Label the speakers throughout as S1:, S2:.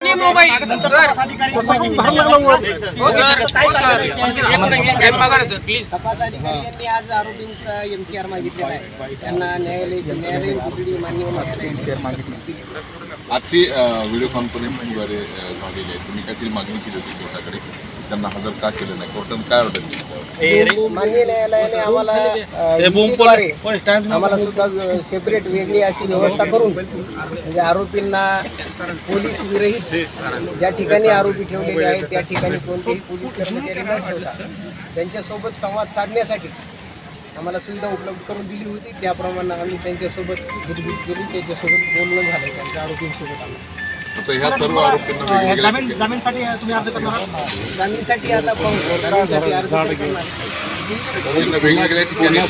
S1: नाही mobile sir. हो sir, हो सर. प्लीज.
S2: तपास अधिकारी यांनी आज आरोपींचा एमसीआर मागितलेला आहे. त्यांना न्यायालयीन कोठडी मान्य न्यायालय
S3: आजची व्हिडिओ कॉन्फरन्सिंगद्वारे झालेली आहे. तुम्ही काहीतरी मागणी केली होती कोर्टाकडे, त्यांना हजर का केलं नाही, कोर्टाने काय ऑर्डर दिली?
S2: मान्य न्यायालयाने आम्हाला सुद्धा सेपरेट वेगळी अशी व्यवस्था करून म्हणजे आरोपींना पोलीस विरहित ज्या ठिकाणी आरोपी ठेवलेले आहेत त्या ठिकाणी कोणतेही पोलीस कर्मचारी न ठेवता त्यांच्यासोबत संवाद साधण्यासाठी आम्हाला सुविधा उपलब्ध करून दिली होती. त्याप्रमाणे आम्ही त्यांच्यासोबत गुजबूज केली, त्यांच्यासोबत बोलणं झालं त्यांच्या आरोपींसोबत. आम्हाला
S3: आता ह्या सर्व आरोपींना
S4: जामीनसाठी तुम्ही अर्ज करणार
S2: जामीनसाठी आता जामीनसाठी अर्ज करणार.
S3: वेगवेगळ्या ठिकाणी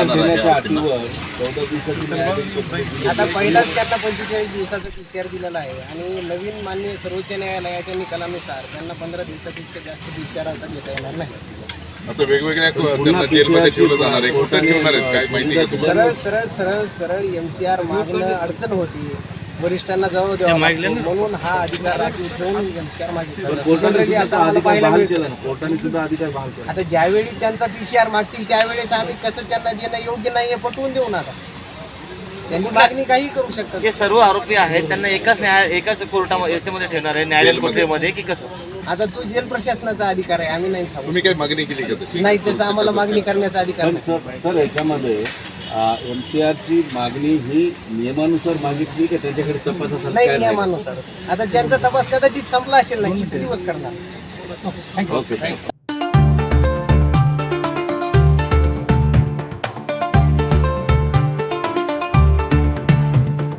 S2: आता पहिलाच त्यांना 45 दिवसाचा PCR दिलेला आहे आणि नवीन मान्य सर्वोच्च न्यायालयाच्या निकालानुसार त्यांना 15 दिवसापेक्षा जास्त PCR आता घेता येणार नाही.
S3: आता वेगवेगळ्या त्यांना जेलमध्ये ठेवलं जाणार आहे, कुठं ठेवणार आहेत काय माहिती का तुम्हाला?
S2: सरळ MCR मागणं अडचण होती. वरिष्ठांना जबाब द्यावा लागतो म्हणून हा अधिकार राखीव ठेवून MCR मागितला. असं आम्हाला पाहायला मिळतं. आता ज्यावेळी त्यांचा PCR मागतील त्यावेळेस आम्ही कसं त्यांना देणं योग्य नाही हे पटवून देऊ नका. त्यांनी मागणी काही करू शकतात.
S5: हे सर्व आरोपी आहेत त्यांना एकाच कोर्टामध्ये याच्यामध्ये ठेवणार आहे, न्यायालयीन कोठडीमध्ये की कसं?
S2: आता तो जेल प्रशासनाचा अधिकार आहे, आम्ही नाही सांगू.
S3: तुम्ही काही मागणी केली का तशी?
S2: नाही, तसं आम्हाला मागणी करण्याचा अधिकार नाही.
S6: सर याच्यामध्ये MCRची मागणी ही नियमानुसार मागितली की त्याच्याकडे तपासासाठी
S2: नाही, नियमानुसार. आता त्यांचा तपास कदाचित संपला असेल ना, किती दिवस करणार.
S6: ओके.